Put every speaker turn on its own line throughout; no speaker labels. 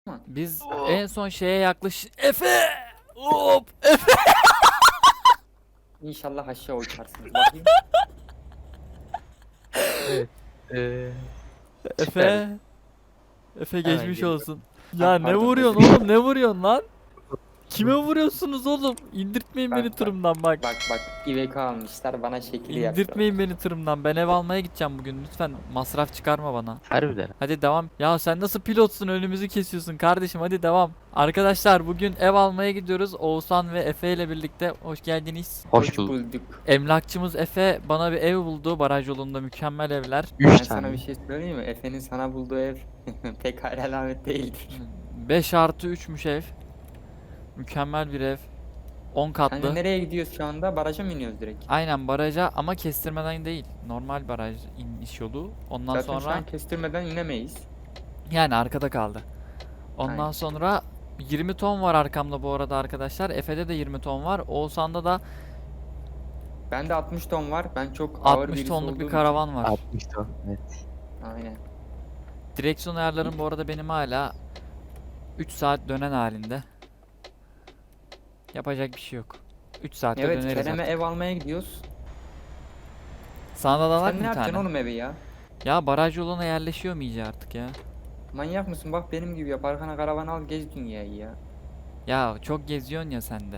Ama
Biz en son şeye Efe! Hop! Efe!
İnşallah aşağı uçarsınız. Bakayım.
Evet. Eee süper.
Efe! Efe
Hemen
geçmiş
geliyorum.
olsun.
Ha,
Ya ne
pardon, özür
vuruyorsun
dilerim.
oğlum? Ne vuruyorsun lan? Kime vuruyorsunuz oğlum? İndirtmeyin beni
Bak bak
tırımdan bak.
bak İvek almışlar bana şekil yapıyorlar.
İndirtmeyin beni tırımdan. Ben ev almaya gideceğim bugün. Lütfen masraf çıkarma bana.
Harbiden.
Hadi devam. Ya sen nasıl pilotsun? Önümüzü kesiyorsun kardeşim. Hadi devam. Arkadaşlar bugün ev almaya gidiyoruz. Oğuzhan ve Efe ile birlikte. Hoş geldiniz.
Hoş bulduk.
bulduk.
Emlakçımız Efe bana bir ev buldu. Baraj yolunda mükemmel evler.
3
Ben
tane.
sana bir şey söyleyeyim mi? Efe'nin sana bulduğu ev pek hayal alamet değildir.
5+3'müş ev. Mükemmel bir ev. 10
Kanka
katlı.
nereye gidiyoruz şu anda? Baraja mı iniyoruz direkt?
Aynen baraja ama kestirmeden değil. Normal baraj iniş yolu. Ondan
Zaten şu
sonra
an kestirmeden inemeyiz.
yani arkada kaldı. Ondan
Aynen.
sonra 20 ton var arkamda bu arada arkadaşlar. Efe'de de 20 ton var. Oğuzhan'da da
Bende 60 ton var. Ben çok ağır
60
birisi
tonluk
olduğum
bir
için.
karavan var.
60 ton. Evet.
Aynen.
Direksiyon ayarlarım bu arada benim hala 3 saat dönen halinde. Yapacak bir şey yok. 3 saatte
Evet,
döneriz
Kerem'e
artık.
ev almaya gidiyoruz.
Sana da alak
Sen ne
bir
yapacaksın
tane.
oğlum evi ya?
Ya baraj yoluna yerleşiyor mu iyice artık ya?
Manyak mısın? Bak benim gibi yap. Arkana karavan al, gez dünyayı ya.
Ya çok geziyorsun ya sen de.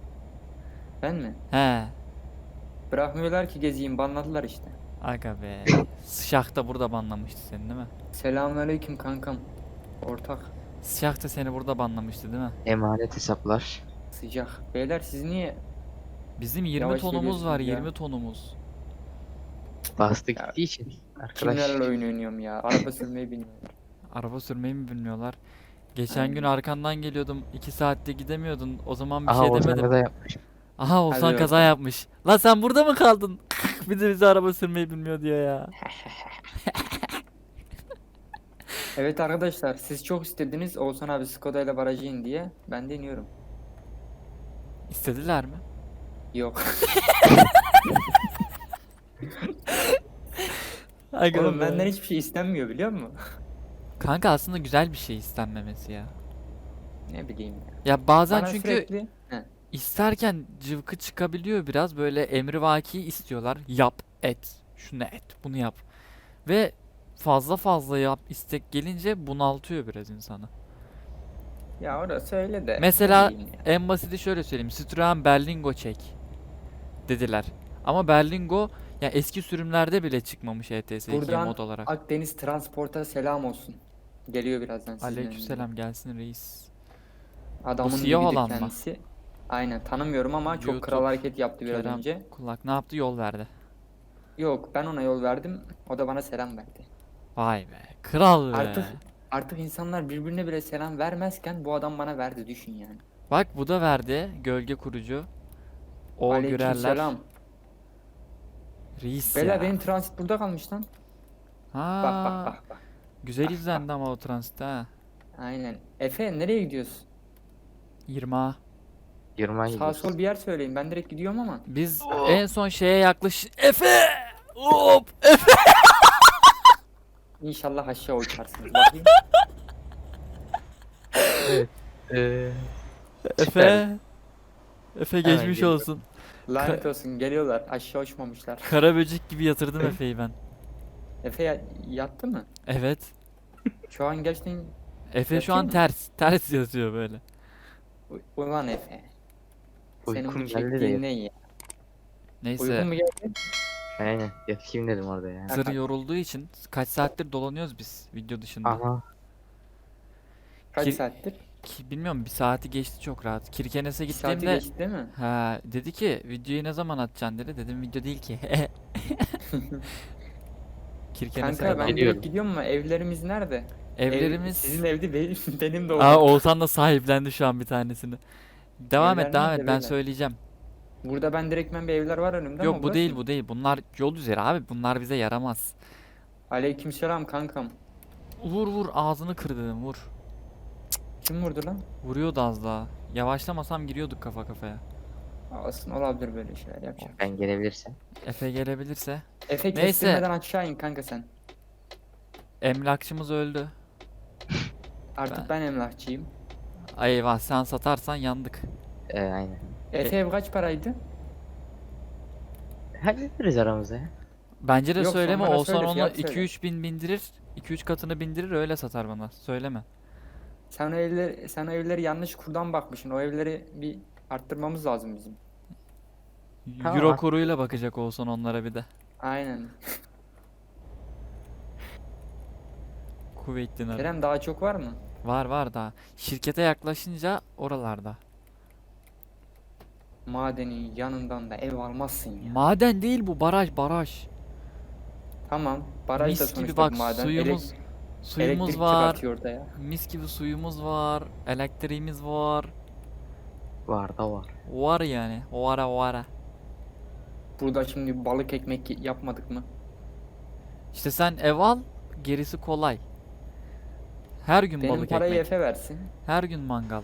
Ben mi?
He.
Bırakmıyorlar ki gezeyim. Banladılar işte.
Aga be. Sıcak da burada banlamıştı seni değil mi?
Selamünaleyküm kankam. Ortak.
Sıcak da seni burada banlamıştı değil mi?
Emanet hesaplar.
Sıcak. Beyler siz niye
Bizim 20
yavaş
tonumuz var,
geliyorsunuz ya?
20 tonumuz.
Bastı
Ya,
gittiği için. Arkadaş.
kimlerle oyun oynuyorum ya? Araba sürmeyi bilmiyorum.
Araba sürmeyi mi bilmiyorlar? Geçen gün
Aynen.
arkandan geliyordum. 2 saatte gidemiyordun. O zaman bir
Aha
şey
o
demedim.
zaman da yapmış.
Aha Oğuzhan
Hadi
kaza
bakalım.
yapmış. Lan sen burada mı kaldın? Bir de bize araba sürmeyi bilmiyor diyor ya.
Evet arkadaşlar, siz çok istediniz Oğuzhan abi Skoda ile barajı in diye. Ben de iniyorum.
İstediler mi?
Yok.
Aga
Oğlum
be.
benden hiçbir şey istenmiyor biliyor musun?
Kanka aslında güzel bir şey istenmemesi ya.
Ne bileyim ya.
Ya bazen
Bana
çünkü
sürekli
isterken cıvkı çıkabiliyor biraz böyle emrivaki istiyorlar. Yap, et, şunu et, bunu yap. Ve fazla fazla yap istek gelince bunaltıyor biraz insanı.
ya orası öyle de ne
Mesela
bileyim ya.
en basiti şöyle söyleyeyim. Citroen Berlingo çek dediler. Ama Berlingo ya eski sürümlerde bile çıkmamış ETS 2'ye mod
Buradan
olarak.
Akdeniz Transport'a selam olsun. Geliyor birazdan sizin önünüze.
Aleykümselam gelsin reis.
Adamın
siyah
dibidir
olan mı?
kendisi. Aynen tanımıyorum ama çok kral
YouTube,
hareket yaptı biraz
Kerem
önce.
Kulak ne yaptı? Yol verdi.
Yok ben ona yol verdim. O da bana selam verdi.
Vay be. Kral be.
Artık insanlar birbirine bile selam vermezken bu adam bana verdi düşün yani.
Bak bu da verdi. Gölge kurucu. O Gürerler.
Aleykümselam.
Reis
Beyler
ya.
benim transit burada kalmış lan. Bak bak
Ha,
bak bak.
güzel
Bak,
izlendi ama o transit ha.
Aynen. Efe nereye gidiyorsun?
20'a.
20
Sağ
gidiyoruz.
sol bir yer söyleyin. Ben direkt gidiyorum ama.
Biz en son şeye Efe! Hop! Efe!
İnşallah aşağı uçarsınız. Bakayım.
Evet. Eee
Efe! Efe
Hemen
geçmiş
geliyorum.
olsun.
Lanet olsun geliyorlar. Aşağı uçmamışlar.
Kara böcek gibi yatırdım Efe'yi ben.
Efe yattı mı?
Evet.
Şu an gerçekten
Efe şu an
Yatıyor mu?
ters yatıyor böyle.
Ulan Efe. Senin
Uykum
bu
geldi de
çektiğin ne ya?
Neyse.
Uykun mu geldi?
aynen yatayım dedim orada ya.
Zır yorulduğu için kaç saattir dolanıyoruz biz video dışında.
Ama
Kaç
Ki-
saattir?
Bilmiyorum bir saati geçti çok rahat. Kirkenes'e
Bir saati
gittiğimde
geçti değil mi?
ha dedi ki videoyu ne zaman atacaksın dedi. Dedim video değil ki. Kirkenes'e
Kanka ben
kadar.
Geliyorum.
direkt gidiyorum ama evlerimiz nerede?
Evlerimiz
Sizin evde benim de
Aa,
oldu.
Oğuzhan da sahiplendi şu an bir tanesini. Devam et
Evler
devam
nerede
et ben
beyler?
söyleyeceğim.
Burada ben direktmen bir evler var önümde ama
Yok bu
burası
değil
mı?
bu değil. Bunlar yol üzeri abi. Bunlar bize yaramaz.
Aleykümselam kankam.
Vur vur ağzını kır dedim vur.
Kim vurdu lan?
Vuruyordu az daha. Yavaşlamasam giriyorduk kafa kafaya.
Olsun olabilir böyle şeyler yapacak.
ben gelebilirsem.
Efe gelebilirse.
Efe
Neyse.
kestirmeden aşağı in kanka sen.
Emlakçımız öldü.
Artık ben emlakçıyım.
Ay eyvah, sen satarsan yandık.
Aynen.
Efe ev kaç paraydı?
Hallederiz aramızda ya.
Bence de
Yok,
söyleme,
sonra
Oğuzhan
söyle,
onu
fiyat söyle.
2-3 bin bindirir. 2-3 katını bindirir, öyle satar bana. Söyleme.
Sen o evleri yanlış kurdan bakmışsın. O evleri bir arttırmamız lazım bizim.
Tamam,
Euro
at.
kuruyla bakacak Oğuzhan onlara bir de.
Aynen.
Kuveyt dinarı.
Kerem daha çok var mı?
Var var daha. Şirkete yaklaşınca oralarda.
Madenin yanından da ev almazsın ya.
Maden değil bu, baraj baraj.
Tamam. Baraj da
Mis gibi
sonuçta
bak,
bir maden.
suyumuz
Elektrik
var.
çıkartıyor orada ya.
Mis gibi suyumuz var. Elektriğimiz var.
Var da var.
Var yani. Vara.
Burada şimdi balık ekmek yapmadık mı?
İşte sen ev al, gerisi kolay. Her gün
Benim
balık
parayı
ekmek.
Efe versin.
Her gün mangal.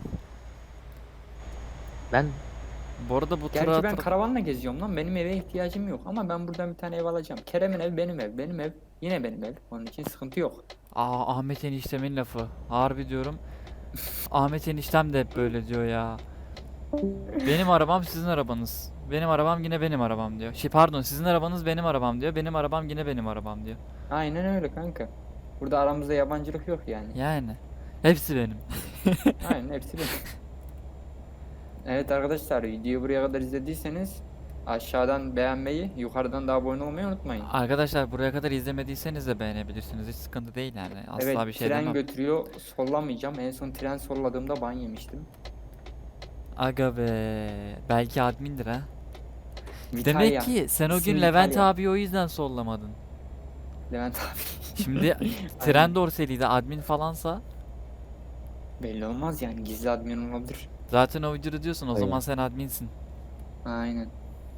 Ben
Bu arada bu
Gerçi ben
tura
karavanla geziyorum lan. Benim eve ihtiyacım yok. Ama ben buradan bir tane ev alacağım. Kerem'in ev benim ev. Benim ev yine benim ev. Onun için sıkıntı yok.
Ahmet eniştemin lafı. Harbi diyorum. Ahmet eniştem de hep böyle diyor ya. Benim arabam sizin arabanız. Benim arabam yine benim arabam diyor. Pardon, sizin arabanız benim arabam diyor. Benim arabam yine benim arabam diyor.
Aynen öyle kanka. Burada aramızda yabancılık yok yani.
Yani. Hepsi benim.
Aynen hepsi benim. Evet arkadaşlar, videoyu buraya kadar izlediyseniz aşağıdan beğenmeyi, yukarıdan da abone olmayı unutmayın.
Arkadaşlar buraya kadar izlemediyseniz de beğenebilirsiniz. Hiç sıkıntı değil yani. Asla
Evet,
bir şey
tren
demem.
götürüyor. Sollamayacağım. En son tren solladığımda ban yemiştim.
Aga be. Belki admindir ha.
Vitalya.
Demek ki sen o
İsmi
gün Levent
Vitalya.
abi o yüzden sollamadın.
Levent abi.
Şimdi tren dorseliydi, admin falansa
Belli olmaz yani, gizli admin olabilir.
zaten o videoda diyorsun, o
Öyle.
zaman sen adminsin.
Aynen.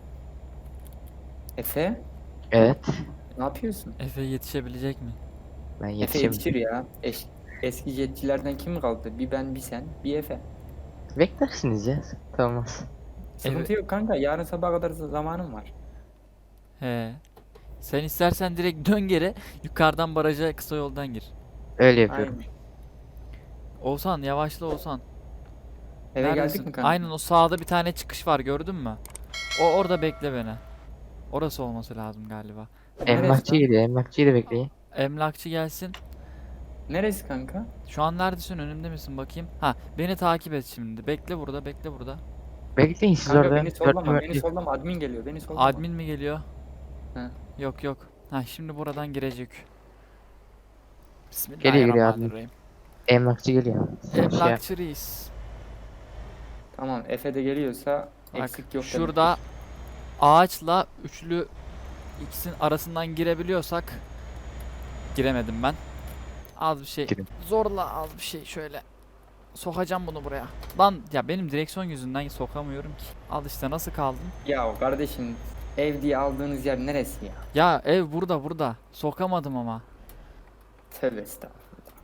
Efe,
evet.
ne yapıyorsun?
Efe yetişebilecek mi?
Ben
Efe
yetişim.
yetişir ya. Eski jetçilerden kim kaldı? Bir ben, bir sen, bir Efe.
Beklersiniz ya. Tamam.
Sıkıntı yok kanka. Yarın sabah kadar zamanım var.
He. Sen istersen direkt dön geri, yukarıdan baraja kısa yoldan gir.
Öyle yapıyorum.
Aynen.
Oğuzhan yavaşla Oğuzhan.
Eve
Neredesin?
geldik mi kanka?
Aynen, o sağda bir tane çıkış var, gördün mü? Orada bekle beni. Orası olması lazım galiba.
Emlakçı
lan?
geliyor. Emlakçıyı da bekleyin.
Emlakçı gelsin.
Neresi kanka?
Şu an neredesin, önümde misin bakayım? Ha, beni takip et şimdi. Bekle burada, bekle burada.
Bekleyin siz
Kanka
orada.
beni sollama, beni
Dörtlü-
sollama. Admin geliyor, beni sollama.
Admin mi geliyor?
He.
Yok yok. Ha, şimdi buradan girecek.
Geliyor admin.
Bismillahirrahmanirrahim.
Emlakçı geliyor. Şey yap-
Emlakçı reis.
Tamam, Efe de geliyorsa
Bak,
eksik yok demek.
şurada ağaçla üçlü ikisinin arasından girebiliyorsak, giremedim ben. Az bir şey.
Girin.
Zorla az bir şey şöyle. Sokacağım bunu buraya. Lan ya, benim direksiyon yüzünden sokamıyorum ki. Al işte, nasıl kaldım?
Ya kardeşim, ev diye aldığınız yer neresi ya?
Ya ev burada. Sokamadım ama.
Tövbe estağfurullah.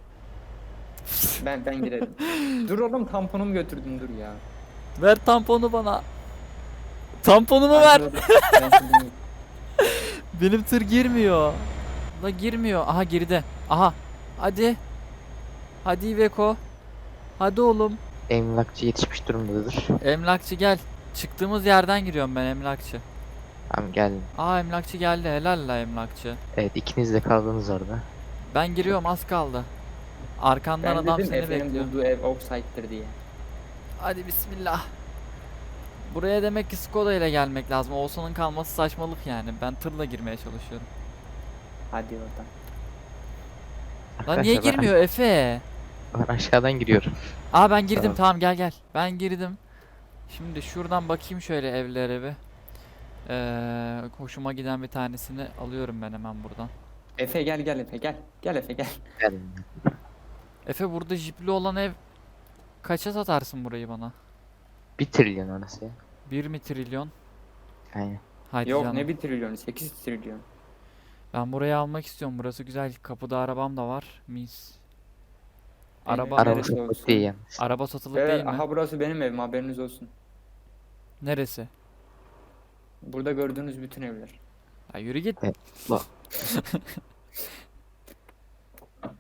Ben girerim. Dur oğlum, tamponumu götürdüm, dur ya.
Ver tamponu bana. Tamponumu ver.
Ben şimdi-
Benim tır girmiyor. La girmiyor. Aha, geride. Aha. Hadi. Hadi Iveco. Hadi oğlum.
Emlakçı yetişmiş durumdadır.
Emlakçı gel. Çıktığımız yerden giriyorum ben, emlakçı.
Tamam geldim.
Emlakçı geldi. Helal la emlakçı.
Evet, ikiniz de kaldınız orada.
Ben giriyorum, az kaldı. Arkandan
Ben
adam
dedim
seni
Efe'nin
bekliyor.
bulduğu ev offside'dir diye.
Hadi bismillah. Buraya demek ki Skoda ile gelmek lazım. Oğuzhan'ın kalması saçmalık yani. Ben tırla girmeye çalışıyorum.
Hadi oradan.
Lan niye
Arkadaşlar,
girmiyor Efe?
Ben aşağıdan giriyorum.
Ben girdim,
Tamam.
tamam gel. Ben girdim. Şimdi şuradan bakayım şöyle evlere bir. Hoşuma giden bir tanesini alıyorum ben hemen buradan.
Efe gel Efe gel. Gel Efe gel.
Geldim.
Efe, burada jipli olan ev kaça satarsın burayı bana?
1 trilyon orası ya.
1 mi trilyon?
Aynen.
Hadi
Yok
canım.
ne 1 trilyonu, 8 trilyon.
Ben burayı almak istiyorum. Burası güzel. Kapıda arabam da var. Mis.
Aynen.
Araba
Araba
neresi
çok
olsun?
kötü değil yalnız.
araba satılık
Evet,
değil mi?
aha burası benim evim, haberiniz olsun.
Neresi?
Burada gördüğünüz bütün evler.
Ya yürü git.
Evet, bak.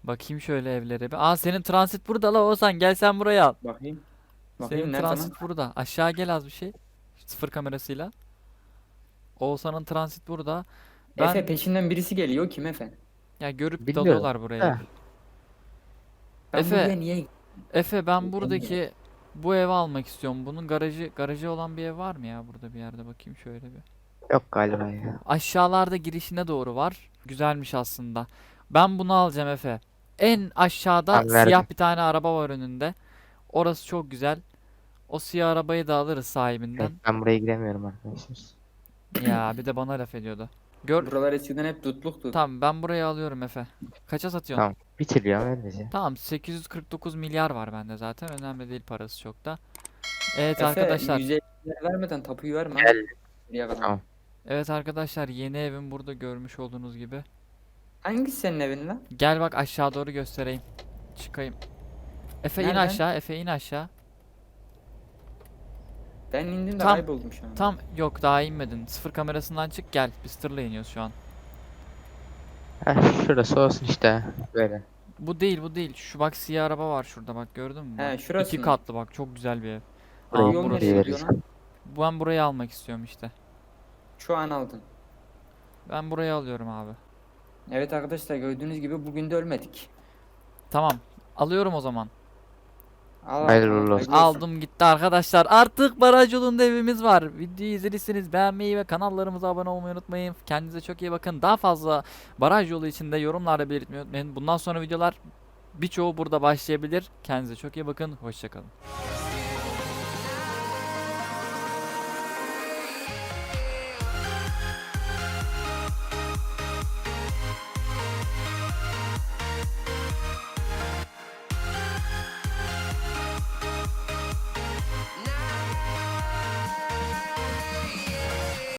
Bakayım şöyle evlere bir. Aa, senin transit burada la Oğuzhan, gel sen buraya al.
Bakayım.
Senin
Bakayım nerede lan?
transit burada. Aşağı gel az bir şey. Sıfır kamerasıyla. Oğuzhan'ın transit burada. Ben
Efe peşinden birisi geliyor. Kim Efe?
ya görüp
Bilmiyorum.
dalıyorlar buraya.
Ha.
Ben
Efe,
buraya niye
Efe ben
Bilmiyorum.
buradaki bu evi almak istiyorum. Bunun garajı olan bir ev var mı ya burada bir yerde, bakayım şöyle bir.
Yok galiba ya.
Aşağılarda girişine doğru var. Güzelmiş aslında. Ben bunu alacağım Efe. En aşağıda
Tamam, verdim.
siyah bir tane araba var önünde. Orası çok güzel. O siyah arabayı da alırız sahibinden.
Evet, ben buraya giremiyorum arkadaşlar.
Ya bir de bana laf ediyordu. Gör.
Buralar eskiden hep tutluktu.
Tamam, ben burayı alıyorum Efe. Kaça satıyorsun?
Tamam. 1 trilyon ver bize.
Tamam, 849 milyar var bende zaten. Önemli değil parası çok da. Evet
Efe
arkadaşlar.
150 vermeden tapuyu verme.
Gel.
Buraya kadar.
Tamam.
Evet arkadaşlar, yeni evim burada görmüş olduğunuz gibi.
Hangisi senin evin lan?
Gel bak aşağı doğru göstereyim. Çıkayım. Efe in
Nereden?
aşağı, Efe in aşağı.
Ben indim de
Tam-
kayboldum şu an.
Tam yok, daha inmedin. Sıfır kamerasından çık gel. Biz tırla iniyoruz şu an.
Heh, şurası olsun işte. Böyle.
Bu değil, bu değil. Şu bak siyah araba var şurada, bak gördün mü?
He,
Bak,
şurası
İki
mı?
katlı bak, çok güzel bir ev.
Burayı
Aa,
Yol
burası.
nereye
buraya
gidiyor
veririz.
lan?
Ben burayı almak istiyorum işte.
Şu an aldın.
Ben burayı alıyorum abi.
Evet arkadaşlar gördüğünüz gibi bugün de ölmedik.
Tamam. Alıyorum o zaman.
Hayırlı uğurlu olsun.
Aldım gitti arkadaşlar. Artık baraj yolunda evimiz var. Videoyu izlediyseniz beğenmeyi ve kanallarımıza abone olmayı unutmayın. Kendinize çok iyi bakın. Daha fazla baraj yolu içinde yorumlarda belirtmeyi unutmayın. Bundan sonra videolar birçoğu burada başlayabilir. Kendinize çok iyi bakın. Hoşçakalın.